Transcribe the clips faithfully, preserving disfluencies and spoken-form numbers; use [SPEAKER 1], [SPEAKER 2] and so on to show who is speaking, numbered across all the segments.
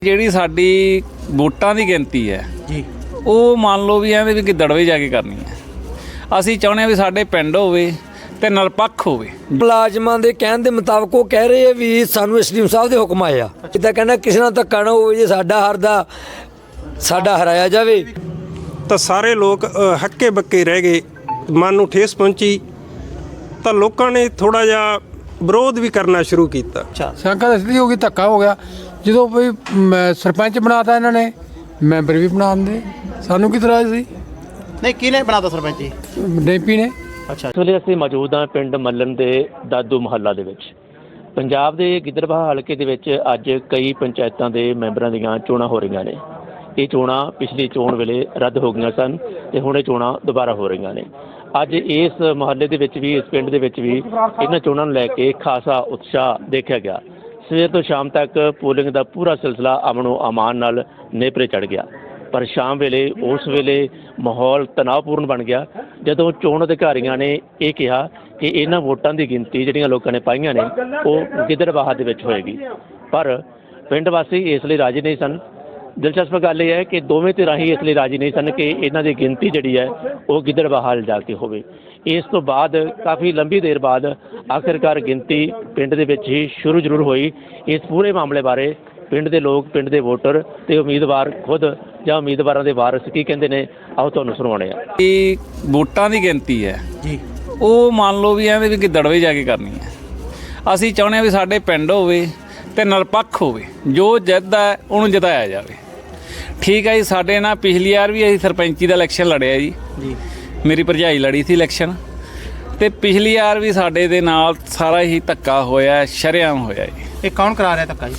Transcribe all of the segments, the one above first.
[SPEAKER 1] ਜਿਹੜੀ ਸਾਡੀ ਵੋਟਾਂ ਦੀ ਗਿਣਤੀ ਹੈ
[SPEAKER 2] ਜੀ
[SPEAKER 1] ਉਹ ਮੰਨ ਲਓ ਵੀ ਐਵੇਂ ਵੀ ਗਿੱਦੜਵੇ ਜਾ ਕੇ ਕਰਨੀ ਹੈ। ਅਸੀਂ ਚਾਹੁੰਦੇ ਹਾਂ ਵੀ ਸਾਡੇ ਪਿੰਡ ਹੋਵੇ ਤੇ ਨਿਰਪੱਖ ਹੋਵੇ।
[SPEAKER 3] ਮੁਲਾਜ਼ਮਾਂ ਦੇ ਕਹਿਣ ਦੇ ਮੁਤਾਬਕ ਉਹ ਕਹਿ ਰਹੇ ਆ ਵੀ ਸਾਨੂੰ ਐਸਡੀਐਮ ਸਾਹਿਬ ਦੇ ਹੁਕਮ ਆਏ ਆ। ਜਿੱਦਾਂ ਕਹਿੰਦਾ ਕਿਸੇ ਨਾਲ ਧੱਕਾ ਨਾ ਹੋਵੇ, ਜੇ ਸਾਡਾ ਹਰਦਾ ਸਾਡਾ ਹਰਾਇਆ ਜਾਵੇ।
[SPEAKER 4] ਤਾਂ ਸਾਰੇ ਲੋਕ ਹੱਕੇ ਬੱਕੇ ਰਹਿ ਗਏ, ਮਨ ਨੂੰ ਠੇਸ ਪਹੁੰਚੀ ਤਾਂ ਲੋਕਾਂ ਨੇ ਥੋੜਾ ਜਿਹਾ ਵਿਰੋਧ ਵੀ ਕਰਨਾ ਸ਼ੁਰੂ ਕੀਤਾ।
[SPEAKER 2] ਅੱਛਾ
[SPEAKER 5] ਸ਼ੰਕਾ ਇਸ ਲਈ ਹੋ ਗਈ, ਧੱਕਾ ਹੋ ਗਿਆ ਜਦੋਂ ਵੀ ਮ- ਸਰਪੰਚ ਬਣਾਤਾ ਇਹਨਾਂ ਨੇ, ਮੈਂਬਰ ਵੀ ਬਣਾ ਦਿੰਦੇ। ਸਾਨੂੰ ਕੀ ਤਰ੍ਹਾਂ ਸੀ
[SPEAKER 2] ਨਹੀਂ ਕਿਹਨੇ ਬਣਾਤਾ ਸਰਪੰਚ ਜੀ?
[SPEAKER 5] ਡੈਂਪੀ ਨੇ।
[SPEAKER 2] ਅੱਛਾ
[SPEAKER 6] ਇਸ ਵੇਲੇ ਅਸੀਂ ਮੌਜੂਦ ਹਾਂ ਪਿੰਡ ਮੱਲਣ ਦੇ ਦਾਦੂ ਮੁਹੱਲਾ ਦੇ ਵਿੱਚ। ਪੰਜਾਬ ਦੇ ਗਿੱਦੜਬਾਹਾ ਹਲਕੇ ਦੇ ਵਿੱਚ ਅੱਜ ਕਈ ਪੰਚਾਇਤਾਂ ਦੇ ਮੈਂਬਰਾਂ ਦੀਆਂ ਚੋਣਾਂ ਹੋ ਰਹੀਆਂ ਨੇ। ਇਹ ਚੋਣਾਂ ਪਿਛਲੀ ਚੋਣ ਵੇਲੇ ਰੱਦ ਹੋ ਗਈਆਂ ਸਨ ਤੇ ਹੁਣ ਇਹ ਚੋਣਾਂ ਦੁਬਾਰਾ ਹੋ ਰਹੀਆਂ ਨੇ। ਅੱਜ ਇਸ ਮੁਹੱਲੇ ਦੇ ਵਿੱਚ ਵੀ, ਇਸ ਪਿੰਡ ਦੇ ਵਿੱਚ ਵੀ ਇਹਨਾਂ ਚੋਣਾਂ ਨੂੰ ਲੈ ਕੇ ਖਾਸਾ ਉਤਸ਼ਾਹ ਦੇਖਿਆ ਗਿਆ। ਸਵੇਰ ਤੋਂ ਸ਼ਾਮ ਤੱਕ ਪੋਲਿੰਗ ਦਾ ਪੂਰਾ ਸਿਲਸਿਲਾ ਅਮਨੋ ਅਮਾਨ ਨਾਲ ਨੇਪਰੇ ਚੜ੍ਹ ਗਿਆ। ਪਰ ਸ਼ਾਮ ਵੇਲੇ ਉਸ ਵੇਲੇ ਮਾਹੌਲ ਤਣਾਅਪੂਰਨ ਬਣ ਗਿਆ ਜਦੋਂ ਚੋਣ ਅਧਿਕਾਰੀਆਂ ਨੇ ਇਹ ਕਿਹਾ ਕਿ ਇਹਨਾਂ ਵੋਟਾਂ ਦੀ ਗਿਣਤੀ ਜਿਹੜੀਆਂ ਲੋਕਾਂ ਨੇ ਪਾਈਆਂ ਨੇ ਉਹ ਗਿੱਦੜਬਾਹਾ ਦੇ ਵਿੱਚ ਹੋਏਗੀ। ਪਰ ਪਿੰਡ ਵਾਸੀ ਇਸ ਲਈ ਰਾਜੀ ਨਹੀਂ ਸਨ। ਦਿਲਚਸਪ ਗੱਲ ਇਹ ਹੈ ਕਿ ਦੋਵੇਂ ਧਿਰਾਂ ਹੀ ਇਸ ਲਈ ਰਾਜੀ ਨਹੀਂ ਸਨ ਕਿ ਇਹਨਾਂ ਦੀ ਗਿਣਤੀ ਜਿਹੜੀ ਹੈ ਉਹ ਗਿੱਦੜਬਾਹਾ ਜਾ ਕੇ ਹੋਵੇ। ਇਸ ਤੋਂ ਬਾਅਦ ਕਾਫੀ ਲੰਬੀ ਦੇਰ ਬਾਅਦ ਆਖਿਰਕਾਰ ਗਿਣਤੀ ਪਿੰਡ ਦੇ ਵਿੱਚ ਹੀ ਸ਼ੁਰੂ ਜ਼ਰੂਰ ਹੋਈ। ਇਸ ਪੂਰੇ ਮਾਮਲੇ ਬਾਰੇ ਪਿੰਡ ਦੇ ਲੋਕ, ਪਿੰਡ ਦੇ ਵੋਟਰ ਤੇ ਉਮੀਦਵਾਰ ਖੁਦ ਜਾਂ ਉਮੀਦਵਾਰਾਂ ਦੇ ਵਾਰਸ ਕੀ ਕਹਿੰਦੇ ਨੇ, ਆਓ ਤੁਹਾਨੂੰ ਸੁਣਾਉਣੇ ਆ।
[SPEAKER 1] ਇਹ ਵੋਟਾਂ ਦੀ ਗਿਣਤੀ ਹੈ
[SPEAKER 2] ਜੀ
[SPEAKER 1] ਉਹ ਮੰਨ ਲਓ ਵੀ ਐਵੇਂ ਵੀ ਗਿੱਦੜਵੇ ਜਾ ਕੇ ਕਰਨੀ ਹੈ। ਅਸੀਂ ਚਾਹੁੰਦੇ ਹਾਂ ਵੀ ਸਾਡੇ ਪਿੰਡ ਹੋਵੇ ਤੇ ਨਿਰਪੱਖ ਹੋਵੇ, ਜੋ ਜਿੱਤਦਾ ਹੈ ਉਹਨੂੰ ਜਿਤਾਇਆ ਜਾਵੇ। ਠੀਕ ਹੈ ਜੀ। ਸਾਡੇ ਨਾਲ ਪਿਛਲੀ ਵਾਰ ਵੀ ਅਸੀਂ ਸਰਪੰਚੀ ਦਾ ਇਲੈਕਸ਼ਨ ਲੜਿਆ ਜੀ
[SPEAKER 2] ਜੀ
[SPEAKER 1] ਮੇਰੀ ਭਰਜਾਈ ਲੜੀ ਸੀ ਇਲੈਕਸ਼ਨ, ਤੇ ਪਿਛਲੀ ਵਾਰ ਵੀ ਸਾਡੇ ਦੇ ਨਾਲ ਸਾਰਾ ਹੀ ਧੱਕਾ ਹੋਇਆ, ਸ਼ਰੇਆਮ ਹੋਇਆ ਜੀ।
[SPEAKER 2] ਇਹ ਕੌਣ ਕਰਾ ਰਿਹਾ ਧੱਕਾ ਜੀ?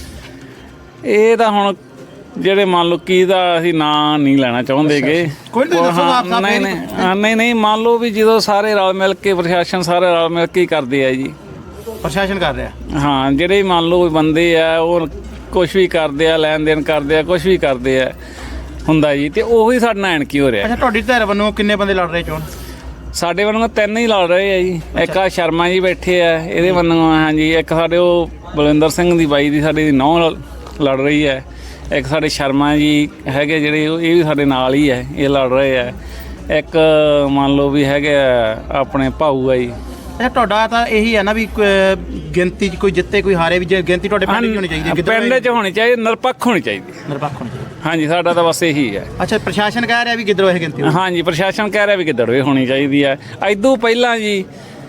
[SPEAKER 1] ਇਹ ਤਾਂ ਹੁਣ ਜਿਹੜੇ ਮੰਨ ਲਓ ਕੀ ਦਾ ਅਸੀਂ ਨਾਂ ਨਹੀਂ ਲੈਣਾ ਚਾਹੁੰਦੇਗੇ।
[SPEAKER 2] ਕੋਈ ਨਹੀਂ, ਦੱਸੋ ਆਪ ਸਾਹਿਬ।
[SPEAKER 1] ਨਹੀਂ ਨਹੀਂ ਹਾਂ, ਨਹੀਂ ਨਹੀਂ ਮੰਨ ਲਓ ਵੀ ਜਦੋਂ ਸਾਰੇ ਰਲ ਮਿਲ ਕੇ, ਪ੍ਰਸ਼ਾਸਨ ਸਾਰੇ ਰਲ ਮਿਲ ਕੇ ਹੀ ਕਰਦੇ ਆ ਜੀ।
[SPEAKER 2] ਪ੍ਰਸ਼ਾਸਨ ਕਰ ਰਿਹਾ।
[SPEAKER 1] ਹਾਂ, ਜਿਹੜੇ ਮੰਨ ਲਓ ਬੰਦੇ ਆ ਉਹ ਕੁਛ ਵੀ ਕਰਦੇ ਆ, ਲੈਣ ਦੇਣ ਕਰਦੇ ਆ, ਕੁਛ ਵੀ ਕਰਦੇ ਆ ਹੁੰਦਾ ਜੀ, ਤੇ ਉਹੀ ਸਾਡੇ ਨਾਲ ਐਨਕੀ ਹੋ ਰਿਹਾ।
[SPEAKER 2] ਅੱਛਾ ਤੁਹਾਡੀ ਧਿਰ ਵੱਲੋਂ ਕਿੰਨੇ ਬੰਦੇ ਲੜ ਰਹੇ ਚੋਣ?
[SPEAKER 1] ਸਾਡੇ ਵੱਲੋਂ ਤਿੰਨ ਹੀ ਲੜ ਰਹੇ ਆ ਜੀ। ਇੱਕ ਆ ਸ਼ਰਮਾ ਜੀ ਬੈਠੇ ਆ, ਇਹਦੇ ਵੱਲੋਂ ਹਾਂਜੀ। ਇੱਕ ਸਾਡੇ ਉਹ ਬਲਵਿੰਦਰ ਸਿੰਘ ਦੀ ਬਾਈ ਦੀ ਸਾਡੀ ਦੀ ਨੌਂ ਲੜ ਰਹੀ ਹੈ। ਇੱਕ ਸਾਡੇ ਸ਼ਰਮਾ ਜੀ ਹੈਗੇ ਜਿਹੜੇ, ਇਹ ਵੀ ਸਾਡੇ ਨਾਲ ਹੀ ਹੈ, ਇਹ ਲੜ ਰਹੇ ਆ। ਇੱਕ ਮੰਨ ਲਓ ਵੀ ਹੈਗੇ ਆਪਣੇ ਭਾਊ ਆ ਜੀ।
[SPEAKER 2] ਅੱਛਾ ਤੁਹਾਡਾ ਤਾਂ ਇਹੀ ਹੈ ਨਾ ਵੀ ਕ- ਗਿਣਤੀ 'ਚ ਕੋਈ ਜਿੱਤੇ ਕੋਈ ਹਾਰੇ, ਵੀ ਜੇ ਗਿਣਤੀ ਤੁਹਾਡੇ ਪਿੰਡ 'ਚ ਹੋਣੀ ਚਾਹੀਦੀ ਹੈ,
[SPEAKER 1] ਪਿੰਡ 'ਚ ਹੋਣੀ ਚਾਹੀਦੀ, ਨਿਰਪੱਖ ਹੋਣੀ ਚਾਹੀਦੀ।
[SPEAKER 2] ਨਿਰਪੱਖ ਹੋਣੀ ਚਾਹੀਦੀ।
[SPEAKER 1] ਹਾਂਜੀ, ਸਾਡਾ ਤਾਂ ਬਸ ਇਹੀ ਹੈ।
[SPEAKER 2] ਅੱਛਾ ਪ੍ਰਸ਼ਾਸਨ ਕਹਿ ਰਿਹਾ ਵੀ ਗਿੱਦੜਵੇ ਗਿਣਤੀ ਹੋਣੀ।
[SPEAKER 1] ਹਾਂਜੀ, ਪ੍ਰਸ਼ਾਸਨ ਕਹਿ ਰਿਹਾ ਵੀ ਗਿੱਦੜਵੇ ਹੋਣੀ ਚਾਹੀਦੀ ਹੈ। ਇਦੋਂ ਪਹਿਲਾਂ ਜੀ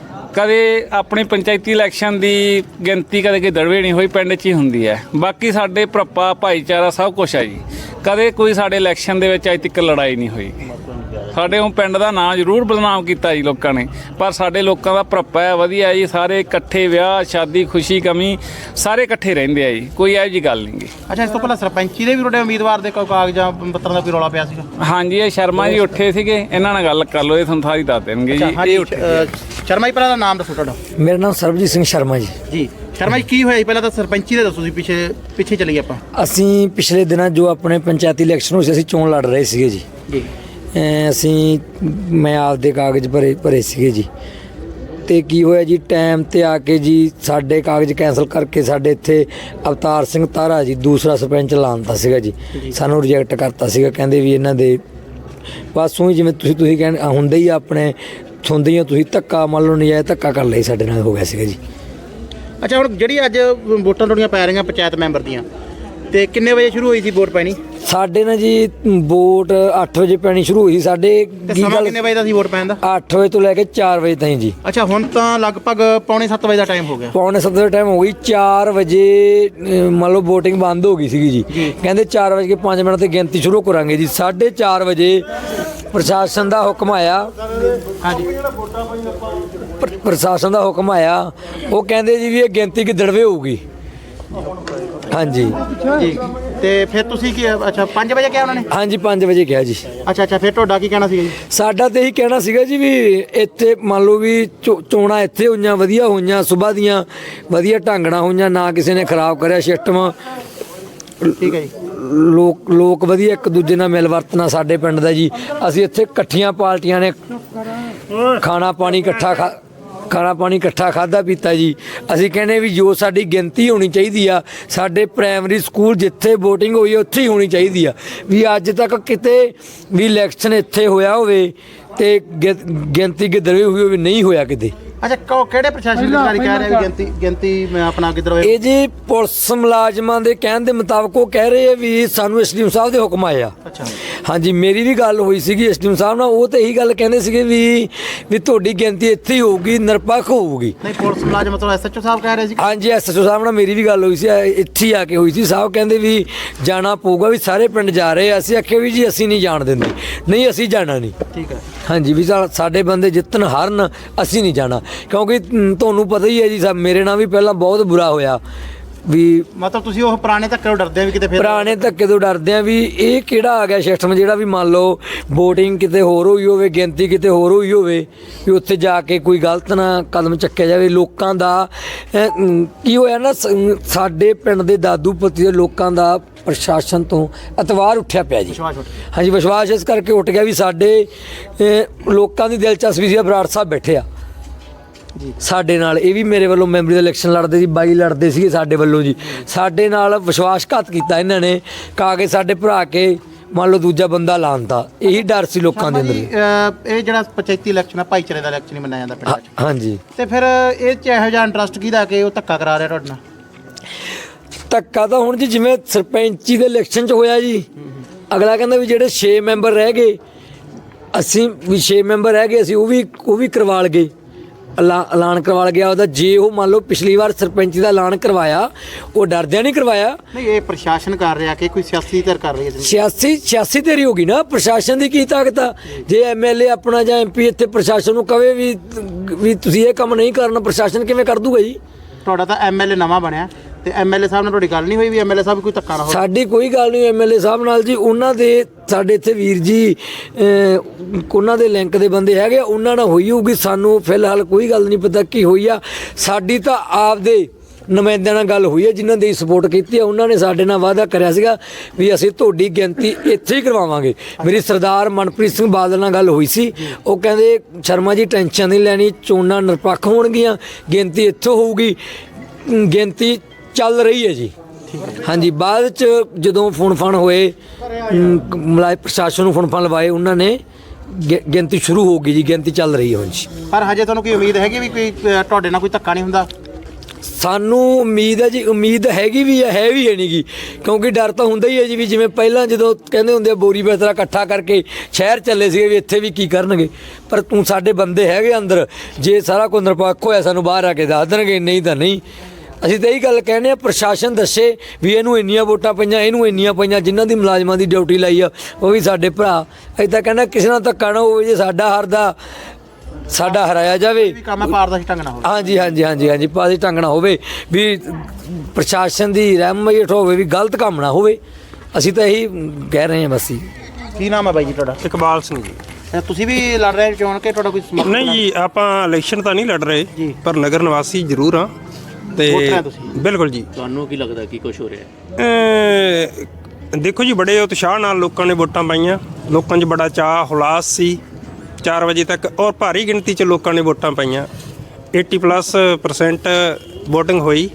[SPEAKER 1] ਕਦੇ ਆਪਣੀ ਪੰਚਾਇਤੀ ਇਲੈਕਸ਼ਨ ਦੀ ਗਿਣਤੀ ਕਦੇ ਗਿੱਦੜਵੇ ਨਹੀਂ ਹੋਈ, ਪਿੰਡ 'ਚ ਹੀ ਹੁੰਦੀ ਹੈ। ਬਾਕੀ ਸਾਡੇ ਭਰਪਾ ਭਾਈਚਾਰਾ ਸਭ ਕੁਛ ਹੈ ਜੀ। ਕਦੇ ਕੋਈ ਸਾਡੇ ਇਲੈਕਸ਼ਨ ਦੇ ਵਿੱਚ ਅੱਜ ਤੱਕ ਲੜਾਈ ਨਹੀਂ ਹੋਈ। ਸਾਡੇ ਉਹ ਪਿੰਡ ਦਾ ਨਾਂ ਜ਼ਰੂਰ ਬਦਨਾਮ ਕੀਤਾ ਜੀ ਲੋਕਾਂ ਨੇ, ਪਰ ਸਾਡੇ ਲੋਕਾਂ ਦਾ ਭਰਪਾ ਹੈ, ਵਧੀਆ ਜੀ। ਸਾਰੇ ਇਕੱਠੇ, ਵਿਆਹ ਸ਼ਾਦੀ ਖੁਸ਼ੀ ਕਮੀ ਸਾਰੇ ਇਕੱਠੇ ਰਹਿੰਦੇ ਆ ਜੀ, ਕੋਈ ਇਹੋ ਜਿਹੀ ਗੱਲ ਨਹੀਂ ਗੀ।
[SPEAKER 2] ਅੱਛਾ ਇਸ ਤੋਂ ਪਹਿਲਾਂ ਸਰਪੰਚੀ ਦੇ ਵੀ ਤੁਹਾਡੇ ਉਮੀਦਵਾਰ ਦੇ ਕੋਈ ਕਾਗਜ਼ਾਂ ਪੱਤਰਾਂ ਦਾ ਕੋਈ ਰੌਲਾ ਪਿਆ ਸੀਗਾ?
[SPEAKER 1] ਹਾਂਜੀ, ਇਹ ਸ਼ਰਮਾ ਜੀ ਉੱਠੇ ਸੀਗੇ, ਇਹਨਾਂ ਨਾਲ ਗੱਲ ਕਰ ਲਓ, ਇਹ ਤੁਹਾਨੂੰ ਸਾਰੀ ਦੱਸ ਦੇਣਗੇ ਜੀ। ਇਹ ਉੱਠੇ
[SPEAKER 2] ਸ਼ਰਮਾ ਜੀ ਪਹਿਲਾਂ ਦਾ ਨਾਮ ਦੱਸੋ ਤੁਹਾਡਾ।
[SPEAKER 3] ਮੇਰਾ ਨਾਮ ਸਰਬਜੀਤ ਸਿੰਘ ਸ਼ਰਮਾ ਜੀ।
[SPEAKER 2] ਜੀ ਸ਼ਰਮਾ ਜੀ ਕੀ ਹੋਇਆ ਜੀ? ਪਹਿਲਾਂ ਤਾਂ ਸਰਪੰਚੀ ਦੇ ਦੱਸੋ ਜੀ, ਪਿੱਛੇ ਪਿੱਛੇ ਚਲੀਏ ਆਪਾਂ।
[SPEAKER 3] ਅਸੀਂ ਪਿਛਲੇ ਦਿਨਾਂ ਜੋ ਆਪਣੇ ਪੰਚਾਇਤੀ ਇਲੈਕਸ਼ਨ ਹੋਏ ਸੀ, ਅਸੀਂ ਚੋਣ ਲੜ ਰਹੇ ਸੀਗੇ ਜੀ।
[SPEAKER 2] ਜੀ
[SPEAKER 3] ਅਮ ਅਸੀਂ ਮੈਂ ਆਪਦੇ ਕਾਗਜ਼ ਭਰੇ ਭਰੇ ਸੀਗੇ ਜੀ। ਤੇ ਕੀ ਹੋਇਆ ਜੀ, ਟਾਈਮ ਤੇ ਆ ਕੇ ਜੀ ਸਾਡੇ ਕਾਗਜ਼ ਕੈਂਸਲ ਕਰਕੇ ਸਾਡੇ ਇੱਥੇ ਅਵਤਾਰ ਸਿੰਘ ਤਾਰਾ ਜੀ ਦੂਸਰਾ ਸਰਪੰਚ ਲਾਉਂਦਾ ਸੀਗਾ ਜੀ। ਸਾਨੂੰ ਰਿਜੈਕਟ ਕਰਤਾ ਸੀਗਾ, ਕਹਿੰਦੇ ਵੀ ਇਹਨਾਂ ਦੇ ਬਸ ਉਹੀ ਜਿਵੇਂ ਤੁਸੀਂ ਤੁਸੀਂ ਕਹਿਣ ਹੁੰਦੇ ਹੀ ਆਪਣੇ ਸੁਣਦੇ ਹੀ ਹੋ ਤੁਸੀਂ, ਧੱਕਾ ਮੰਨ ਲਓ ਨਜਾਇਜ਼ ਧੱਕਾ ਕਰ ਲਈ ਸਾਡੇ ਨਾਲ ਹੋ ਗਿਆ ਸੀਗਾ ਜੀ।
[SPEAKER 2] ਅੱਛਾ ਹੁਣ ਜਿਹੜੀ ਅੱਜ ਵੋਟਾਂ ਤੁਹਾਡੀਆਂ ਪੈ ਰਹੀਆਂ ਪੰਚਾਇਤ ਮੈਂਬਰ ਦੀਆਂ, ਤੇ ਕਿੰਨੇ ਵਜੇ ਸ਼ੁਰੂ ਹੋਈ ਸੀ ਵੋਟ ਪੈਣੀ?
[SPEAKER 3] ਸਾਡੇ ਨਾ ਜੀ ਵੋਟ ਅੱਠ ਵਜੇ ਪੈਣੀ ਸ਼ੁਰੂ ਹੋਈ ਸੀ। ਸਾਡੇ
[SPEAKER 2] ਤੇ ਸਮਾਂ ਕਿੰਨੇ ਵਜੇ ਦਾ ਸੀ ਵੋਟ ਪੈਣ ਦਾ?
[SPEAKER 3] ਅੱਠ ਵਜੇ ਤੋਂ ਲੈ ਕੇ ਚਾਰ ਵਜੇ ਤਾਈਂ ਜੀ।
[SPEAKER 2] ਅੱਛਾ ਹੁਣ ਤਾਂ ਲਗਭਗ ਪੌਣੇ ਸੱਤ ਵਜੇ ਦਾ ਟਾਈਮ ਹੋ ਗਿਆ।
[SPEAKER 3] ਪੌਣੇ ਸੱਤ ਦਾ ਟਾਈਮ ਹੋ ਗਈ। ਚਾਰ ਵਜੇ ਅਹ, ਮੰਨ ਲਓ VOTING ਬੰਦ ਹੋ ਗਈ ਸੀਗੀ ਜੀ। ਕਹਿੰਦੇ ਚਾਰ ਵਜੇ ਕੇ ਪੰਜ ਮਿੰਟ ਤੇ ਗਿਣਤੀ ਸ਼ੁਰੂ ਕਰਾਂਗੇ ਜੀ। ਸਾਢੇ ਚਾਰ ਵਜੇ ਪ੍ਰਸ਼ਾਸਨ ਦਾ ਹੁਕਮ ਆਇਆ।
[SPEAKER 2] ਹਾਂਜੀ
[SPEAKER 3] ਪ੍ਰ- ਪ੍ਰਸ਼ਾਸਨ ਦਾ ਹੁਕਮ ਆਇਆ, ਉਹ ਕਹਿੰਦੇ ਜੀ ਵੀ ਇਹ ਗਿਣਤੀ ਗਿੱਦੜਵੇ ਹੋਊਗੀ। ਹਾਂਜੀ
[SPEAKER 2] ਜੀ ਤੇ ਫਿਰ ਤੁਸੀਂ ਕੀ ਅੱਛਾ ਪੰਜ ਵਜੇ ਕਿਹਾ ਉਹਨਾਂ ਨੇ?
[SPEAKER 3] ਹਾਂਜੀ ਪੰਜ ਵਜੇ ਕਿਹਾ ਜੀ।
[SPEAKER 2] ਅੱਛਾ ਅੱਛਾ ਫਿਰ ਤੁਹਾਡਾ ਕੀ ਕਹਿਣਾ ਸੀਗਾ ਜੀ?
[SPEAKER 3] ਸਾਡਾ ਤੇ ਇਹੀ ਕਹਿਣਾ ਸੀਗਾ ਜੀ ਵੀ ਇੱਥੇ ਮੰਨ ਲਓ ਵੀ ਚੋ- ਚੋਣਾਂ ਇੱਥੇ ਹੋਈਆਂ, ਵਧੀਆ ਹੋਈਆਂ, ਸੁਬਾਹ ਦੀਆਂ ਵਧੀਆ ਢੰਗਣਾ ਹੋਈਆਂ, ਨਾ ਕਿਸੇ ਨੇ ਖਰਾਬ ਕਰਿਆ ਸਿਸਟਮ।
[SPEAKER 2] ਠੀਕ ਹੈ ਜੀ।
[SPEAKER 3] ਲੋਕ ਲੋਕ ਵਧੀਆ ਇੱਕ ਦੂਜੇ ਨਾਲ ਮਿਲ ਵਰਤਣਾ ਸਾਡੇ ਪਿੰਡ ਦਾ ਜੀ। ਅਸੀਂ ਇੱਥੇ ਇਕੱਠੀਆਂ ਪਾਰਟੀਆਂ ਨੇ ਖਾਣਾ ਪਾਣੀ ਇਕੱਠਾ ਖਾ ਖਾਣਾ ਪਾਣੀ ਇਕੱਠਾ ਖਾਦਾ ਪੀਤਾ ਜੀ। ਅਸੀਂ ਕਹਿੰਦੇ ਵੀ ਜੋ ਸਾਡੀ ਗਿਣਤੀ ਹੋਣੀ ਚਾਹੀਦੀ ਆ ਸਾਡੇ ਪ੍ਰਾਇਮਰੀ ਸਕੂਲ ਜਿੱਥੇ VOTING ਹੋਈ ਉੱਥੇ ਹੀ ਹੋਣੀ ਚਾਹੀਦੀ ਆ। ਵੀ ਅੱਜ ਤੱਕ ਕਿਤੇ ਵੀ ਇਲੈਕਸ਼ਨ ਇੱਥੇ ਹੋਇਆ ਹੋਵੇ ਤੇ ਗਿ- ਗਿਣਤੀ ਗਿੱਦੜਵੇ ਹੋਈ ਹੋਵੇ, ਨਹੀਂ ਹੋਇਆ ਕਿਤੇ।
[SPEAKER 2] ਅੱਛਾ ਕੋ ਕਿਹੜੇ ਪ੍ਰਸ਼ਾਸਨ ਅਧਿਕਾਰੀ ਕਹਿ ਰਹੇ ਵੀ ਗਿਣਤੀ ਗਿਣਤੀ ਮੈਂ ਆਪਣਾ ਕਿੱਧਰ ਹੋਏ?
[SPEAKER 3] ਇਹ ਜੀ ਪੁਲਿਸ ਮੁਲਾਜ਼ਮਾਂ ਦੇ ਕਹਿਣ ਦੇ ਮੁਤਾਬਕ ਉਹ ਕਹਿ ਰਹੇ ਆ ਵੀ ਸਾਨੂੰ ਐਸਡੀਐਮ ਸਾਹਿਬ ਦੇ ਹੁਕਮ ਆਏ ਆ।
[SPEAKER 2] ਅੱਛਾ
[SPEAKER 3] ਹਾਂਜੀ, ਮੇਰੀ ਵੀ ਗੱਲ ਹੋਈ ਸੀਗੀ ਐਸਡੀਐਮ ਸਾਹਿਬ ਨਾਲ, ਉਹ ਤਾਂ ਇਹੀ ਗੱਲ ਕਹਿੰਦੇ ਸੀਗੇ ਵੀ ਵੀ ਤੁਹਾਡੀ ਗਿਣਤੀ ਇੱਥੇ ਹੀ ਹੋਊਗੀ, ਨਿਰਪੱਖ ਹੋਊਗੀ।
[SPEAKER 2] ਨਹੀਂ ਪੁਲਿਸ ਮੁਲਾਜ਼ਮ ਮਤਲਬ ਐਸਐਚਓ ਸਾਹਿਬ ਕਹਿ ਰਹੇ ਸੀ?
[SPEAKER 3] ਹਾਂਜੀ, ਐਸਐਚਓ ਸਾਹਿਬ ਨਾਲ ਮੇਰੀ ਵੀ ਗੱਲ ਹੋਈ ਸੀ, ਇੱਥੇ ਹੀ ਆ ਕੇ ਹੋਈ ਸੀ। ਸਾਹਿਬ ਕਹਿੰਦੇ ਵੀ ਜਾਣਾ ਪਊਗਾ, ਵੀ ਸਾਰੇ ਪਿੰਡ ਜਾ ਰਹੇ ਆ। ਅਸੀਂ ਆਖਿਆ ਵੀ ਜੀ ਅਸੀਂ ਨਹੀਂ ਜਾਣ ਦਿੰਦੇ, ਨਹੀਂ ਅਸੀਂ ਜਾਣਾ ਨਹੀਂ।
[SPEAKER 2] ਠੀਕ ਹੈ।
[SPEAKER 3] ਹਾਂਜੀ, ਵੀ ਸਾ- ਸਾਡੇ ਬੰਦੇ ਜਿੱਤਣ ਹਾਰਨ, ਅਸੀਂ ਨਹੀਂ ਜਾਣਾ। ਕਿਉਂਕਿ ਮ, ਤੁਹਾਨੂੰ ਪਤਾ ਹੀ ਹੈ ਜੀ, ਸਾ ਮੇਰੇ ਨਾਲ ਵੀ ਪਹਿਲਾਂ ਬਹੁਤ ਬੁਰਾ ਹੋਇਆ ਵੀ
[SPEAKER 2] ਮਤਲਬ ਤੁਸੀਂ ਉਹ ਪੁਰਾਣੇ ਧੱਕੇ ਤੋਂ ਡਰਦੇ ਆ ਵੀ ਕਿਤੇ ਫਿਰ
[SPEAKER 3] ਪੁਰਾਣੇ ਧੱਕੇ ਤੋਂ ਡਰਦੇ ਆ ਵੀ ਇਹ ਕਿਹੜਾ ਆ ਗਿਆ ਸਿਸਟਮ ਜਿਹੜਾ ਵੀ ਮੰਨ ਲਓ VOTING ਕਿਤੇ ਹੋਰ ਹੋਈ ਹੋਵੇ, ਗਿਣਤੀ ਕਿਤੇ ਹੋਰ ਹੋਈ ਹੋਵੇ, ਵੀ ਉੱਥੇ ਜਾ ਕੇ ਕੋਈ ਗਲਤ ਨਾ ਕਦਮ ਚੱਕਿਆ ਜਾਵੇ। ਲੋਕਾਂ ਦਾ ਅਹ, ਮ, ਕੀ ਹੋਇਆ ਨਾ, ਸ- ਸਾਡੇ ਪਿੰਡ ਦੇ ਦਾਦੂ ਪਤੀ ਦੇ ਲੋਕਾਂ ਦਾ ਪ੍ਰਸ਼ਾਸਨ ਤੋਂ ਅਤਵਾਰ ਉੱਠਿਆ ਪਿਆ ਜੀ।
[SPEAKER 2] ਵਿਸ਼ਵਾਸ ਉੱਠ
[SPEAKER 3] ਹਾਂਜੀ, ਵਿਸ਼ਵਾਸ ਇਸ ਕਰਕੇ ਉੱਠ ਗਿਆ ਵੀ ਸਾਡੇ ਅਹ, ਲੋਕਾਂ ਦੀ ਦਿਲਚਸਪੀ ਸੀ ਬਰਾੜ ਸਾਹਿਬ ਬੈਠੇ ਆ ਸਾਡੇ ਨਾਲ। ਇਹ ਵੀ ਮੇਰੇ ਵੱਲੋਂ ਮੈਂਬਰੀ ਦਾ ਇਲੈਕਸ਼ਨ ਲੜਦੇ ਸੀ, ਬਾਈ ਲੜਦੇ ਸੀਗੇ ਸਾਡੇ ਵੱਲੋਂ ਜੀ। ਸਾਡੇ ਨਾਲ ਵਿਸ਼ਵਾਸਘਾਤ ਕੀਤਾ ਇਹਨਾਂ ਨੇ, ਕਾਗਜ਼ ਸਾਡੇ ਭਰਾ ਕੇ ਮੰਨ ਲਓ ਦੂਜਾ ਬੰਦਾ ਲਾਉਂਦਾ। ਇਹੀ ਡਰ ਸੀ ਲੋਕਾਂ ਦੇ ਅੰਦਰ।
[SPEAKER 2] ਜੀ, ਅਹ, ਇਹ ਜਿਹੜਾ ਪੰਚਾਇਤੀ ਇਲੈਕਸ਼ਨ ਆ ਭਾਈਚਾਰੇ ਦਾ ਇਲੈਕਸ਼ਨ ਹੀ ਮੰਨਿਆ ਜਾਂਦਾ ਪਿੰਡਾਂ 'ਚ,
[SPEAKER 3] ਹਾਂਜੀ,
[SPEAKER 2] ਤੇ ਫਿਰ ਇਹ 'ਚ ਇਹੋ ਜਿਹਾ ਇੰਟਰਸਟ ਕਿਹਦਾ ਕਿ ਉਹ ਧੱਕਾ ਕਰਾ ਰਿਹਾ ਤੁਹਾਡੇ ਨਾਲ?
[SPEAKER 3] ਧੱਕਾ ਤਾਂ ਹੁਣ ਜੀ ਜਿਵੇਂ ਸਰਪੰਚੀ ਦੇ ਇਲੈਕਸ਼ਨ 'ਚ ਹੋਇਆ ਜੀ, ਅਗਲਾ ਕਹਿੰਦਾ ਵੀ ਜਿਹੜੇ ਛੇ ਮੈਂਬਰ ਰਹਿ ਗਏ, ਅਸੀਂ ਵੀ ਛੇ ਮੈਂਬਰ ਰਹਿ ਗਏ, ਅਸੀਂ ਉਹ ਵੀ ਉਹ ਵੀ ਕਰਵਾ ਲਗੇ, ਐਲਾ- ਐਲਾਨ ਕਰਵਾ ਗਿਆ ਉਹਦਾ। ਜੇ ਉਹ ਮੰਨ ਲਓ ਪਿਛਲੀ ਵਾਰ ਸਰਪੰਚੀ ਦਾ ਐਲਾਨ ਕਰਵਾਇਆ, ਉਹ ਡਰਦਿਆਂ ਨਹੀਂ ਕਰਵਾਇਆ।
[SPEAKER 2] ਨਹੀਂ ਇਹ ਪ੍ਰਸ਼ਾਸਨ ਕਰ ਰਿਹਾ ਕਿ ਕੋਈ ਸਿਆਸੀ ਧਿਰ ਕਰ ਰਹੀ ਹੈ?
[SPEAKER 3] ਸਿਆਸੀ ਸਿਆਸੀ ਤੇਰੀ ਹੋ ਗਈ ਨਾ, ਪ੍ਰਸ਼ਾਸਨ ਦੀ ਕੀ ਤਾਕਤ ਆ? ਜੇ ਐਮਐਲਏ ਆਪਣਾ ਜਾਂ ਐਮਪੀ ਇੱਥੇ ਪ੍ਰਸ਼ਾਸਨ ਨੂੰ ਕਵੇ ਵੀ ਵੀ ਤੁਸੀਂ ਇਹ ਕੰਮ ਨਹੀਂ ਕਰਨਾ, ਪ੍ਰਸ਼ਾਸਨ ਕਿਵੇਂ ਕਰ ਦੂਗਾ ਜੀ?
[SPEAKER 2] ਤੁਹਾਡਾ ਤਾਂ ਐਮਐਲਏ ਨਵਾਂ ਬਣਿਆ ਤੇ ਐਮਐਲਏ ਸਾਹਿਬ ਨਾਲ ਤੁਹਾਡੀ ਗੱਲ ਨਹੀਂ ਹੋਈ ਵੀ ਐਮਐਲਏ ਸਾਹਿਬ ਕੋਈ ਧੱਕਾ ਨਾ ਹੋਵੇ?
[SPEAKER 3] ਸਾਡੀ ਕੋਈ ਗੱਲ ਨਹੀਂ ਐਮਐਲਏ ਸਾਹਿਬ ਨਾਲ ਜੀ। ਉਹਨਾਂ ਦੇ ਸਾਡੇ ਇੱਥੇ ਵੀਰ ਜੀ ਅਹ, ਉਹਨਾਂ ਦੇ ਲਿੰਕ ਦੇ ਬੰਦੇ ਹੈਗੇ, ਉਹਨਾਂ ਨਾਲ ਹੋਈ ਹੋਊਗੀ। ਸਾਨੂੰ ਫਿਲਹਾਲ ਕੋਈ ਗੱਲ ਨਹੀਂ ਪਤਾ ਕੀ ਹੋਈ ਆ। ਸਾਡੀ ਤਾਂ ਆਪਦੇ ਨੁਮਾਇੰਦਿਆਂ ਨਾਲ ਗੱਲ ਹੋਈ ਹੈ ਜਿਨ੍ਹਾਂ ਦੀ ਸਪੋਰਟ ਕੀਤੀ ਹੈ। ਉਹਨਾਂ ਨੇ ਸਾਡੇ ਨਾਲ ਵਾਅਦਾ ਕਰਿਆ ਸੀਗਾ ਵੀ ਅਸੀਂ ਤੁਹਾਡੀ ਗਿਣਤੀ ਇੱਥੇ ਹੀ ਕਰਵਾਵਾਂਗੇ। ਮੇਰੀ ਸਰਦਾਰ ਮਨਪ੍ਰੀਤ ਸਿੰਘ ਬਾਦਲ ਨਾਲ ਗੱਲ ਹੋਈ ਸੀ, ਉਹ ਕਹਿੰਦੇ ਸ਼ਰਮਾ ਜੀ ਟੈਨਸ਼ਨ ਨਹੀਂ ਲੈਣੀ, ਚੋਣਾਂ ਨਿਰਪੱਖ ਹੋਣਗੀਆਂ, ਗਿਣਤੀ ਇੱਥੋਂ ਹੋਊਗੀ। ਗਿਣਤੀ ਚੱਲ ਰਹੀ ਹੈ ਜੀ। ਹਾਂਜੀ, ਬਾਅਦ ਚ ਜਦੋਂ ਫੋਨ ਫਾਨ ਹੋਏ, ਮਲਾਈ ਪ੍ਰਸ਼ਾਸਨ ਨੂੰ ਫੋਨ ਫਾਨ ਲਵਾਏ, ਉਹਨਾਂ ਨੇ ਗਿ- ਗਿਣਤੀ ਸ਼ੁਰੂ ਹੋ ਗਈ ਜੀ। ਗਿਣਤੀ ਚੱਲ ਰਹੀ ਹੈ ਹੁਣ ਜੀ।
[SPEAKER 2] ਪਰ ਹਜੇ ਤੁਹਾਨੂੰ ਕੋਈ ਉਮੀਦ ਹੈਗੀ ਵੀ ਕੋਈ ਅਹ, ਤੁਹਾਡੇ ਨਾਲ ਕੋਈ ਧੱਕਾ ਨਹੀਂ ਹੁੰਦਾ?
[SPEAKER 3] ਸਾਨੂੰ ਉਮੀਦ ਹੈ ਜੀ, ਉਮੀਦ ਹੈਗੀ ਵੀ ਹੈ, ਹੈ ਵੀ ਹੈ ਨਹੀਂ ਗੀ। ਕਿਉਂਕਿ ਡਰ ਤਾਂ ਹੁੰਦਾ ਹੀ ਹੈ ਜੀ, ਵੀ ਜਿਵੇਂ ਪਹਿਲਾਂ ਜਦੋਂ ਕਹਿੰਦੇ ਹੁੰਦੇ ਆ ਬੋਰੀ ਬਿਸਤਰਾ ਇਕੱਠਾ ਕਰਕੇ ਸ਼ਹਿਰ ਚੱਲੇ ਸੀਗੇ ਵੀ ਇੱਥੇ ਵੀ ਕੀ ਕਰਨਗੇ। ਪਰ ਤੂੰ ਸਾਡੇ ਬੰਦੇ ਹੈਗੇ ਅੰਦਰ, ਜੇ ਸਾਰਾ ਕੁਝ ਨਿਰਪੱਖ ਹੋਇਆ ਸਾਨੂੰ ਬਾਹਰ ਆ ਕੇ ਦੱਸ ਦੇਣਗੇ, ਨਹੀਂ ਤਾਂ ਨਹੀਂ। ਅਸੀਂ ਤਾਂ ਇਹੀ ਗੱਲ ਕਹਿੰਦੇ ਆ, ਪ੍ਰਸ਼ਾਸਨ ਦੱਸੇ ਵੀ ਇਹਨੂੰ ਇੰਨੀਆਂ ਵੋਟਾਂ ਪਈਆਂ, ਇਹਨੂੰ ਇੰਨੀਆਂ ਪਈਆਂ। ਜਿਨ੍ਹਾਂ ਦੀ ਮੁਲਾਜ਼ਮਾਂ ਦੀ ਡਿਊਟੀ ਲਾਈ ਆ ਉਹ ਵੀ ਸਾਡੇ ਭਰਾ। ਅਸੀਂ ਤਾਂ ਕਹਿੰਦਾ ਕਿਸੇ ਨਾਲ ਧੱਕਾ ਨਾ ਹੋਵੇ, ਜੇ ਸਾਡਾ ਹਰਦਾ ਸਾਡਾ ਹਰਾਇਆ ਜਾਵੇ।
[SPEAKER 2] ਵੀ ਕੰਮ ਹੈ ਪਾਰਦਰਸ਼ੀ ਢੰਗ ਨਾਲ ਹੋਵੇ।
[SPEAKER 3] ਹਾਂਜੀ ਹਾਂਜੀ ਹਾਂਜੀ ਹਾਂਜੀ ਪਾਸੇ ਢੰਗ ਨਾਲ ਹੋਵੇ, ਵੀ ਪ੍ਰਸ਼ਾਸਨ ਦੀ ਰਹਿਮਤ ਹੋਵੇ, ਵੀ ਗਲਤ ਕੰਮ ਨਾ ਹੋਵੇ। ਅਸੀਂ ਤਾਂ ਇਹੀ ਕਹਿ ਰਹੇ ਹਾਂ ਬਸ ਜੀ।
[SPEAKER 2] ਕੀ ਨਾਮ ਹੈ ਬਾਈ ਜੀ ਤੁਹਾਡਾ?
[SPEAKER 4] ਇਕਬਾਲ ਸਿੰਘ ਜੀ।
[SPEAKER 2] ਅਹ, ਤੁਸੀਂ ਵੀ ਲੜ ਰਹੇ ਚੋਣ ਕਿ ਤੁਹਾਡਾ ਕੋਈ ਸਮਰਥਨ?
[SPEAKER 4] ਨਹੀਂ ਜੀ, ਆਪਾਂ ਇਲੈਕਸ਼ਨ ਤਾਂ ਨਹੀਂ ਲੜ ਰਹੇ,
[SPEAKER 2] ਜੀ।
[SPEAKER 4] ਪਰ ਨਗਰ ਨਿਵਾਸੀ ਜ਼ਰੂਰ ਆ। ਤੇ
[SPEAKER 2] ਵੋਟਰ ਆ ਤੁਸੀਂ?
[SPEAKER 4] ਬਿਲਕੁਲ ਜੀ।
[SPEAKER 6] ਤੁਹਾਨੂੰ ਕੀ ਲੱਗਦਾ ਕੀ ਕੁਝ ਹੋ ਰਿਹਾ ਹੈ?
[SPEAKER 4] ਅਹ ਦੇਖੋ ਜੀ, ਬੜੇ ਉਤਸ਼ਾਹ ਨਾਲ ਲੋਕਾਂ ਨੇ ਵੋਟਾਂ ਪਾਈਆਂ। ਲੋਕਾਂ 'ਚ ਬੜਾ ਚਾਅ ਹੁਲਾਸ ਸੀ ਚਾਰ ਵਜੇ ਤੱਕ, ਔਰ ਭਾਰੀ ਗਿਣਤੀ 'ਚ ਲੋਕਾਂ ਨੇ ਵੋਟਾਂ ਪਾਈਆਂ। ਅੱਸੀ ਪਲੱਸ ਪਰਸੈਂਟ VOTING ਹੋਈ।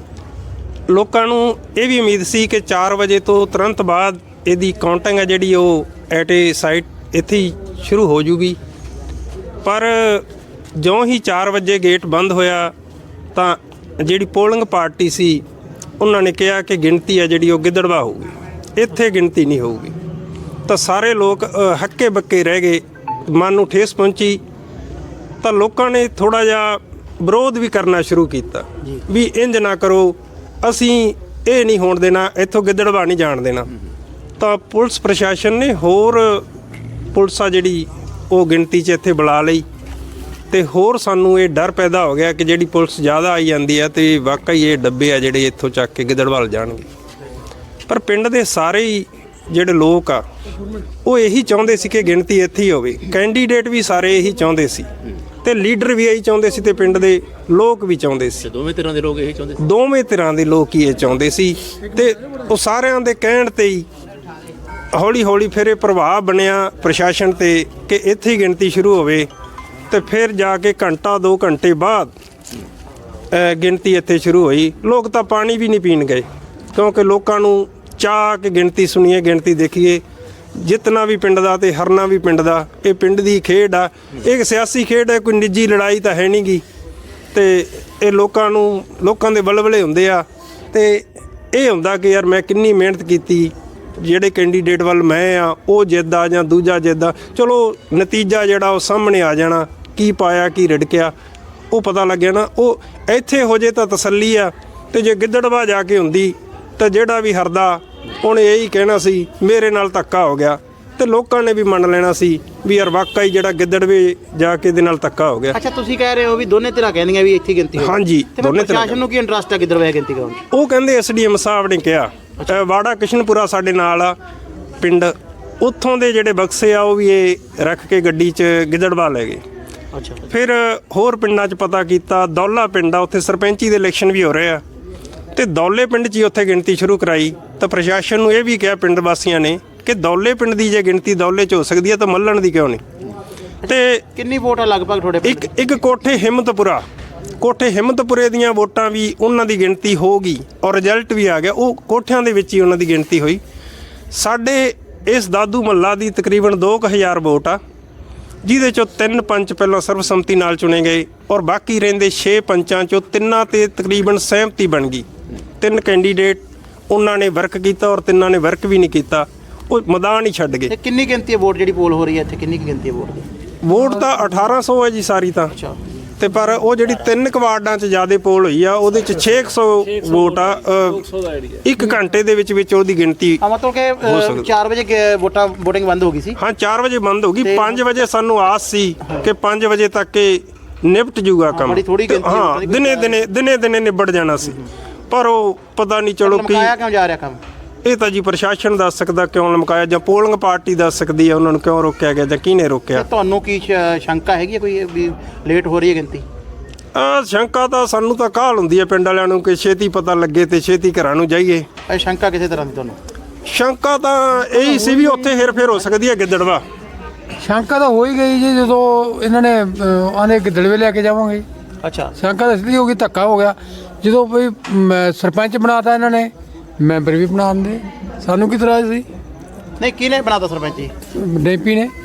[SPEAKER 4] ਲੋਕਾਂ ਨੂੰ ਇਹ ਵੀ ਉਮੀਦ ਸੀ ਕਿ ਚਾਰ ਵਜੇ ਤੋਂ ਤੁਰੰਤ ਬਾਅਦ ਇਹਦੀ ਕਾਊਂਟਿੰਗ ਹੈ ਜਿਹੜੀ ਉਹ ਐਟ ਏ ਸਾਈਟ ਇੱਥੇ ਹੀ ਸ਼ੁਰੂ ਹੋ ਜੂਗੀ। ਪਰ ਜਿਉਂ ਹੀ ਚਾਰ ਵਜੇ ਗੇਟ ਬੰਦ ਹੋਇਆ ਤਾਂ ਜਿਹੜੀ ਪੋਲਿੰਗ ਪਾਰਟੀ ਸੀ ਉਹਨਾਂ ਨੇ ਕਿਹਾ ਕਿ ਗਿਣਤੀ ਹੈ ਜਿਹੜੀ ਉਹ ਗਿੱਦੜਵਾ ਹੋਊਗੀ, ਇੱਥੇ ਗਿਣਤੀ ਨਹੀਂ ਹੋਊਗੀ। ਤਾਂ ਸਾਰੇ ਲੋਕ ਅ, ਹੱਕੇ ਬੱਕੇ ਰਹਿ ਗਏ, ਮਨ ਨੂੰ ਠੇਸ ਪਹੁੰਚੀ। ਤਾਂ ਲੋਕਾਂ ਨੇ ਥੋੜਾ ਜਿਹਾ ਵਿਰੋਧ ਵੀ ਕਰਨਾ ਸ਼ੁਰੂ ਕੀਤਾ ਵੀ ਇੰਜ ਨਾ ਕਰੋ, ਅਸੀਂ ਇਹ ਨਹੀਂ ਹੋਣ ਦੇਣਾ, ਇੱਥੋਂ ਗਿੱਦੜਵਾ ਨਹੀਂ ਜਾਣ ਦੇਣਾ। ਤਾਂ ਪੁਲਿਸ ਪ੍ਰਸ਼ਾਸਨ ਨੇ ਹੋਰ ਪੁਲਿਸ ਆ ਜਿਹੜੀ ਉਹ ਗਿਣਤੀ 'ਚ ਇੱਥੇ ਬੁਲਾ ਲਈ। ਤੇ ਹੋਰ ਸਾਨੂੰ ਇਹ ਡਰ ਪੈਦਾ ਹੋ ਗਿਆ ਕਿ ਜਿਹੜੀ ਪੁਲਿਸ ਜ਼ਿਆਦਾ ਆਈ ਜਾਂਦੀ ਆ ਤੇ ਵਾਕਈ ਇਹ ਡੱਬੇ ਆ ਜਿਹੜੇ ਇੱਥੋਂ ਚੱਕ ਕੇ ਗਿੱਦੜਵਾਲ ਜਾਣਗੇ। ਪਰ ਪਿੰਡ ਦੇ ਸਾਰੇ ਹੀ ਜਿਹੜੇ ਲੋਕ ਆ ਉਹ ਇਹੀ ਚਾਹੁੰਦੇ ਸੀ ਕਿ ਗਿਣਤੀ ਇੱਥੇ ਹੀ ਹੋਵੇ। ਕੈਂਡੀਡੇਟ ਵੀ ਸਾਰੇ ਇਹੀ ਚਾਹੁੰਦੇ ਸੀ ਤੇ ਲੀਡਰ ਵੀ ਇਹੀ ਚਾਹੁੰਦੇ ਸੀ ਤੇ ਪਿੰਡ ਦੇ ਲੋਕ ਵੀ ਚਾਹੁੰਦੇ ਸੀ।
[SPEAKER 6] ਦੋਵੇਂ ਤਰ੍ਹਾਂ ਦੇ ਲੋਕ ਇਹੀ ਚਾਹੁੰਦੇ ਸੀ।
[SPEAKER 4] ਦੋਵੇਂ ਤਰ੍ਹਾਂ ਦੇ ਲੋਕ ਹੀ ਇਹ ਚਾਹੁੰਦੇ ਸੀ ਤੇ ਉਹ ਸਾਰਿਆਂ ਦੇ ਕਹਿਣ ਤੇ ਹੀ ਹੌਲੀ ਹੌਲੀ ਫਿਰ ਇਹ ਪ੍ਰਭਾਵ ਬਣਿਆ ਪ੍ਰਸ਼ਾਸਨ ਤੇ ਕਿ ਇੱਥੇ ਹੀ ਗਿਣਤੀ ਸ਼ੁਰੂ ਹੋਵੇ। ਤੇ ਫਿਰ ਜਾ ਕੇ ਘੰਟਾ ਦੋ ਘੰਟੇ ਬਾਅਦ ਅ, ਗਿਣਤੀ ਇੱਥੇ ਸ਼ੁਰੂ ਹੋਈ। ਲੋਕ ਤਾਂ ਪਾਣੀ ਵੀ ਨਹੀਂ ਪੀਣ ਗਏ ਕਿਉਂਕਿ ਲੋਕਾਂ ਨੂੰ ਚਾਹ ਕੇ ਗਿਣਤੀ ਸੁਣੀਏ, ਗਿਣਤੀ ਦੇਖੀਏ। ਜਿੱਤਣਾ ਵੀ ਪਿੰਡ ਦਾ ਤੇ ਹਰਨਾ ਵੀ ਪਿੰਡ ਦਾ। ਇਹ ਪਿੰਡ ਦੀ ਖੇਡ ਆ, ਇਹ ਸਿਆਸੀ ਖੇਡ ਹੈ, ਕੋਈ ਨਿੱਜੀ ਲੜਾਈ ਤਾਂ ਹੈ ਨਹੀਂ ਗੀ। ਤੇ ਇਹ ਲੋਕਾਂ ਨੂੰ ਲੋਕਾਂ ਦੇ ਬਲਬਲੇ ਹੁੰਦੇ ਆ ਤੇ ਇਹ ਹੁੰਦਾ ਕਿ ਯਾਰ ਮੈਂ ਕਿੰਨੀ ਮਿਹਨਤ ਕੀਤੀ, ਜਿਹੜੇ ਕੈਂਡੀਡੇਟ ਵੱਲ ਮੈਂ ਆ ਉਹ ਜਿੱਦਾ ਜਾਂ ਦੂਜਾ ਜਿੱਦਾ, ਚਲੋ ਨਤੀਜਾ ਜਿਹੜਾ ਉਹ ਸਾਹਮਣੇ ਆ ਜਾਣਾ, ਕੀ ਪਾਇਆ ਕੀ ਰਿੜਕਿਆ ਉਹ ਪਤਾ ਲੱਗਿਆ ਨਾ। ਉਹ ਇੱਥੇ ਹੋ ਜੇ ਤਾਂ ਤਸੱਲੀ ਆ, ਤੇ ਜੇ ਗਿੱਦੜਵਾ ਜਾ ਕੇ ਹੁੰਦੀ ਤਾਂ ਜਿਹੜਾ ਵੀ ਹਰਦਾ ਉਹਨੇ ਇਹੀ ਕਹਿਣਾ ਸੀ ਮੇਰੇ ਨਾਲ ਧੱਕਾ ਹੋ ਗਿਆ, ਤੇ ਲੋਕਾਂ ਨੇ ਵੀ ਮੰਨ ਲੈਣਾ ਸੀ ਵੀ ਯਾਰ ਵਾਕਈ ਜਿਹੜਾ ਗਿੱਦੜਵੇ ਜਾ ਕੇ ਦੇ ਨਾਲ ਧੱਕਾ ਹੋ ਗਿਆ।
[SPEAKER 2] ਅੱਛਾ, ਤੁਸੀਂ ਕਹਿ ਰਹੇ ਹੋ ਵੀ ਦੋਨੇ ਧਿਰਾਂ ਕਹਿੰਦੀਆਂ ਵੀ ਇੱਥੇ ਗਿਣਤੀ ਹੋਵੇ।
[SPEAKER 4] ਹਾਂਜੀ,
[SPEAKER 2] ਤੇ
[SPEAKER 4] ਦੋਨੇ
[SPEAKER 2] ਦੋਨੇ
[SPEAKER 4] ਧਿਰਾਂ
[SPEAKER 2] ਪ੍ਰਸ਼ਾਸਨ ਨੂੰ ਕੀ ਇੰਟਰਸਟ ਹੈ ਗਿੱਦੜਬਾਹਾ ਗਿਣਤੀ ਕਰਾਉਣ 'ਚ?
[SPEAKER 4] ਉਹ ਕਹਿੰਦੇ ਐਸਡੀਐਮ ਸਾਹਿਬ ਨੇ ਕਿਹਾ, ਅ, ਵਾੜਾ ਕਿਸ਼ਨਪੁਰਾ ਸਾਡੇ ਨਾਲ ਆ ਪਿੰਡ, ਉੱਥੋਂ ਦੇ ਜਿਹੜੇ ਬਕਸੇ ਆ ਉਹ ਵੀ ਇਹ ਰੱਖ ਕੇ ਗੱਡੀ 'ਚ ਗਿੱਦੜਬਾਹਾ ਲੈ ਗਏ।
[SPEAKER 2] ਅੱਛਾ,
[SPEAKER 4] ਫਿਰ ਹੋਰ ਪਿੰਡਾਂ 'ਚ ਪਤਾ ਕੀਤਾ, ਦੌਲਾ ਪਿੰਡ ਆ ਉੱਥੇ ਸਰਪੰਚੀ ਦੇ ਇਲੈਕਸ਼ਨ ਵੀ ਹੋ ਰਹੇ ਆ, ਤੇ ਦੌਲੇ ਪਿੰਡ 'ਚ ਹੀ ਉੱਥੇ ਗਿਣਤੀ ਸ਼ੁਰੂ ਕਰਾਈ। ਤਾਂ ਪ੍ਰਸ਼ਾਸਨ ਨੂੰ ਇਹ ਵੀ ਕਿਹਾ ਪਿੰਡ ਵਾਸੀਆਂ ਨੇ ਕਿ ਦੌਲੇ ਪਿੰਡ ਦੀ ਜੇ ਗਿਣਤੀ ਦੌਲੇ 'ਚ ਹੋ ਸਕਦੀ ਹੈ ਤਾਂ ਮੱਲਣ ਦੀ ਕਿਉਂ ਨਹੀਂ। ਤੇ
[SPEAKER 2] ਕਿੰਨੀ ਵੋਟ ਆ ਲਗਭਗ ਤੁਹਾਡੇ ਪਿੰਡ?
[SPEAKER 4] ਇੱਕ ਇੱਕ ਕੋਠੇ ਹਿੰਮਤਪੁਰਾ, ਕੋਠੇ ਹਿੰਮਤਪੁਰੇ ਦੀਆਂ ਵੋਟਾਂ ਵੀ ਉਹਨਾਂ ਦੀ ਗਿਣਤੀ ਹੋ ਗਈ ਔਰ ਰਿਜ਼ਲਟ ਵੀ ਆ ਗਿਆ। ਉਹ ਕੋਠਿਆਂ ਦੇ ਵਿੱਚ ਹੀ ਉਹਨਾਂ ਦੀ ਗਿਣਤੀ ਹੋਈ। ਸਾਡੇ ਇਸ ਦਾਦੂ ਮੱਲਾ ਦੀ ਤਕਰੀਬਨ ਦੋ ਕੁ ਹਜ਼ਾਰ ਵੋਟ ਆ, ਜਿਹਦੇ 'ਚੋਂ ਤਿੰਨ ਪੰਚ ਪਹਿਲਾਂ ਸਰਬਸੰਮਤੀ ਨਾਲ ਚੁਣੇ ਗਏ ਔਰ ਬਾਕੀ ਰਹਿੰਦੇ ਛੇ ਪੰਚਾਂ 'ਚੋਂ ਤਿੰਨਾਂ 'ਤੇ ਤਕਰੀਬਨ ਸਹਿਮਤੀ ਬਣ ਗਈ। ਤਿੰਨ ਕੈਂਡੀਡੇਟ ਉਹਨਾਂ ਨੇ ਵਰਕ ਕੀਤਾ ਔਰ ਤਿੰਨਾਂ ਨੇ ਵਰਕ ਵੀ ਨਹੀਂ ਕੀਤਾ, ਉਹ ਮੈਦਾਨ ਹੀ ਛੱਡ ਗਏ।
[SPEAKER 2] ਤੇ ਕਿੰਨੀ ਗਿਣਤੀ ਹੈ ਵੋਟ ਜਿਹੜੀ ਪੋਲ ਹੋ ਰਹੀ ਹੈ ਇੱਥੇ, ਕਿੰਨੀ ਕੁ ਗਿਣਤੀ ਹੈ ਵੋਟ ਦੀ?
[SPEAKER 4] ਵੋਟ ਤਾਂ ਅਠਾਰਾਂ ਸੌ ਹੈ ਜੀ ਸਾਰੀ ਤਾਂ,
[SPEAKER 2] ਅੱਛਾ,
[SPEAKER 4] ਤੇ ਪਰ ਉਹ ਜਿਹੜੀ ਤਿੰਨ ਕੁ ਵਾਰਡਾਂ 'ਚ ਜ਼ਿਆਦਾ ਪੋਲ ਹੋਈ ਆ ਉਹਦੇ 'ਚ ਛੇ ਕੁ ਸੌ ਵੋਟ ਆ। ਅ, ਇੱਕ ਘੰਟੇ ਦੇ ਵਿੱਚ ਵਿੱਚ ਉਹਦੀ ਗਿਣਤੀ
[SPEAKER 2] ਆ ਮਤਲਬ ਕਿ
[SPEAKER 4] ਹੋ ਸਕਦਾ।
[SPEAKER 2] ਅ, ਚਾਰ ਵਜੇ ਕਿ ਵੋਟਾਂ ਵੋਟਿੰਗ ਬੰਦ ਹੋ ਗਈ ਸੀ।
[SPEAKER 4] ਹਾਂ, ਚਾਰ ਵਜੇ ਬੰਦ ਹੋ ਗਈ।
[SPEAKER 2] ਤੇ-
[SPEAKER 4] ਪੰਜ ਵਜੇ ਸਾਨੂੰ ਆਸ ਸੀ ਕਿ ਪੰਜ ਵਜੇ ਤੱਕ ਇਹ ਨਿਪਟ ਜੂਗਾ ਕੰਮ।
[SPEAKER 2] ਬੜੀ ਥੋੜ੍ਹੀ
[SPEAKER 4] ਤੇ
[SPEAKER 2] ਗਿਣਤੀ
[SPEAKER 4] ਹਾਂ,
[SPEAKER 2] ਹੋਣੀ, ਕੋਈ
[SPEAKER 4] ਦਿਨੇ ਦਿਨੇ ਦਿਨੇ ਦਿਨੇ ਨਿਬੜ ਜਾਣਾ ਸੀ, ਪਰ ਉਹ ਪਤਾ ਨਹੀਂ ਚਲੋ ਕੀ
[SPEAKER 2] ਲਮਕਾਇਆ ਕਿਉਂ ਜਾ ਰਿਹਾ ਕੰਮ?
[SPEAKER 4] ਇਹ ਤਾਂ ਜੀ ਪ੍ਰਸ਼ਾਸਨ ਦੱਸ ਸਕਦਾ ਕਿਉਂ ਲਮਕਾਇਆ, ਜਾਂ ਪੋਲਿੰਗ ਪਾਰਟੀ ਦੱਸ ਸਕਦੀ ਹੈ ਉਹਨਾਂ ਨੂੰ ਕਿਉਂ ਰੋਕਿਆ ਗਿਆ ਜਾਂ ਕਿਹਨੇ ਰੋਕਿਆ।
[SPEAKER 2] ਤੇ ਤੁਹਾਨੂੰ ਕੀ ਸ਼- ਸ਼ੰਕਾ ਹੈਗੀ ਹੈ ਕੋਈ ਵੀ ਲੇਟ ਹੋ ਰਹੀ ਹੈ ਗਿਣਤੀ?
[SPEAKER 4] ਆ ਸ਼ੰਕਾ ਤਾਂ ਸਾਨੂੰ ਤਾਂ ਕਾਹਲ ਹੁੰਦੀ ਹੈ ਪਿੰਡ ਵਾਲਿਆਂ ਨੂੰ ਕਿ ਛੇਤੀ ਪਤਾ ਲੱਗੇ ਤੇ ਛੇਤੀ ਘਰਾਂ ਨੂੰ ਜਾਈਏ।
[SPEAKER 2] ਇਹ ਸ਼ੰਕਾ ਕਿਸੇ ਤਰ੍ਹਾਂ ਦੀ ਤੁਹਾਨੂੰ?
[SPEAKER 4] ਸ਼ੰਕਾ ਤਾਂ ਇਹੀ ਸੀ ਵੀ ਉੱਥੇ ਹੇਰ-ਫੇਰ ਹੋ ਸਕਦੀ ਹੈ ਗਿੱਦੜਵਾ।
[SPEAKER 5] ਸ਼ੰਕਾ ਤਾਂ ਹੋ ਹੀ ਗਈ ਜੀ ਜਦੋਂ ਇਹਨਾਂ ਨੇ ਅਹ, ਆਨੇ ਗਿੱਦੜਵੇ ਲੈ ਕੇ ਜਾਵਾਂਗੇ।
[SPEAKER 2] ਅੱਛਾ,
[SPEAKER 5] ਸ਼ੰਕਾ ਤਾਂ ਇਸ ਲਈ ਹੋ ਗਈ, ਧੱਕਾ ਹੋ ਗਿਆ ਜਦੋਂ ਵੀ ਮ, ਸਰਪੰਚ ਬਣਾਤਾ ਇਹਨਾਂ ਨੇ, ਮੈਂਬਰ ਵੀ ਬਣਾ ਦਿੰਦੇ, ਸਾਨੂੰ ਕੀ ਇਤਰਾਜ਼ ਸੀ?
[SPEAKER 2] ਨਹੀਂ ਕਿਹਨੇ ਬਣਾਤਾ ਸਰਪੰਚ ਜੀ?
[SPEAKER 5] ਡੈਂਪੀ ਨੇ।